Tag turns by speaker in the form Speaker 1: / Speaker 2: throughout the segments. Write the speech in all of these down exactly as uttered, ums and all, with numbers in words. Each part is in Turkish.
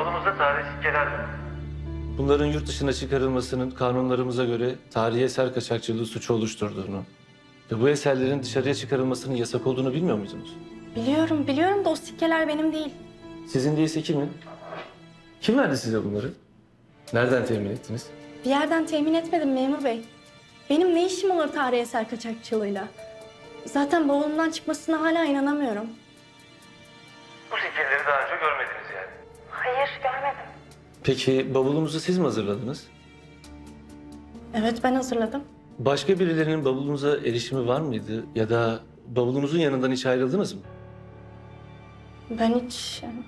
Speaker 1: Bavulumuzda tarihi sikkeler var. Bunların yurt dışına çıkarılmasının kanunlarımıza göre tarihi eser kaçakçılığı suçu oluşturduğunu ve bu eserlerin dışarıya çıkarılmasının yasak olduğunu bilmiyor muydunuz?
Speaker 2: Biliyorum, biliyorum da o sikkeler benim değil.
Speaker 1: Sizin değilse kimin? Kim verdi size bunları? Nereden temin ettiniz?
Speaker 2: Bir yerden temin etmedim memur bey. Benim ne işim olur tarihi eser kaçakçılığıyla? Zaten bavulumdan çıkmasına hala inanamıyorum.
Speaker 1: Bu sikkeleri daha önce görmediniz yani.
Speaker 2: Hayır, görmedim.
Speaker 1: Peki bavulumuzu siz mi hazırladınız?
Speaker 2: Evet, ben hazırladım.
Speaker 1: Başka birilerinin bavulunuza erişimi var mıydı? Ya da bavulunuzun yanından hiç ayrıldınız mı?
Speaker 2: Ben hiç... yani-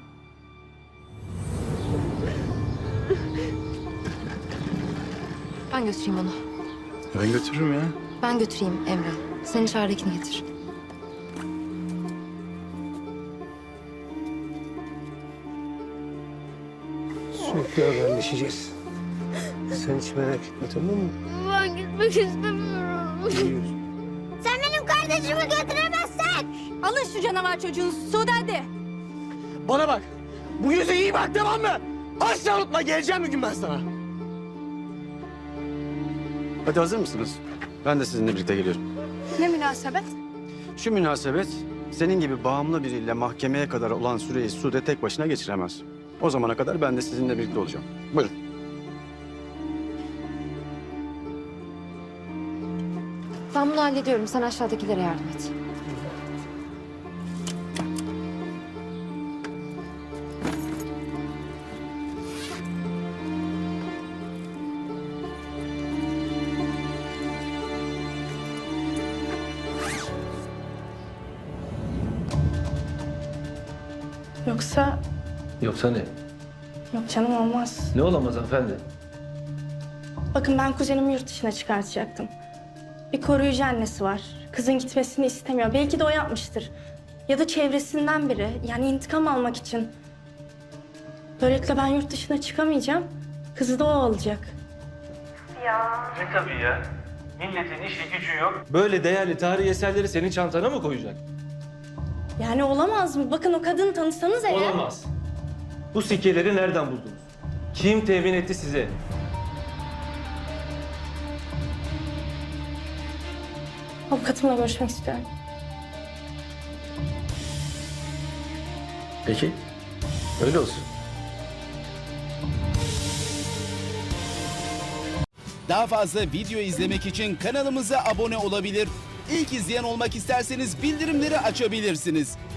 Speaker 3: Ben götüreyim onu.
Speaker 4: Ben götürürüm ya.
Speaker 3: Ben götüreyim Emre. Sen içeridekini getir.
Speaker 5: Sürekli haberleşeceğiz. Sen hiç merak etme, tamam mı?
Speaker 6: Ben gitmek istemiyorum.
Speaker 5: Biliyorsun.
Speaker 6: Sen benim kardeşimi götüremezsen.
Speaker 2: Alın şu canavar çocuğunu Sude hadi.
Speaker 5: Bana bak. Bu yüze iyi bak, tamam mı? Asla unutma, geleceğim bir gün ben sana.
Speaker 4: Hadi hazır mısınız? Ben de sizinle birlikte geliyorum.
Speaker 2: Ne münasebet?
Speaker 4: Şu münasebet senin gibi bağımlı biriyle mahkemeye kadar olan süreyi Sude tek başına geçiremez. O zamana kadar ben de sizinle birlikte olacağım. Buyurun.
Speaker 3: Ben bunu hallediyorum. Sen aşağıdakilere yardım et.
Speaker 2: Yoksa...
Speaker 1: Yoksa ne?
Speaker 2: Yok canım, olmaz.
Speaker 1: Ne olamaz hanımefendi?
Speaker 2: Bakın ben kuzenimi yurt dışına çıkartacaktım. Bir koruyucu annesi var. Kızın gitmesini istemiyor. Belki de o yapmıştır. Ya da çevresinden biri. Yani intikam almak için. Böylelikle ben yurt dışına çıkamayacağım. Kızı da o alacak.
Speaker 1: Ne tabii ya? Milletin işi gücü yok. Böyle değerli tarihi eserleri senin çantana mı koyacak?
Speaker 2: Yani olamaz mı? Bakın o kadını tanısanız eğer...
Speaker 1: Olamaz. Bu sikkeleri nereden buldunuz? Kim temin etti size?
Speaker 2: Avukatımla görüşmek istiyorum.
Speaker 1: Peki. Öyle olsun.
Speaker 7: Daha fazla video izlemek için kanalımıza abone olabilir. İlk izleyen olmak isterseniz bildirimleri açabilirsiniz.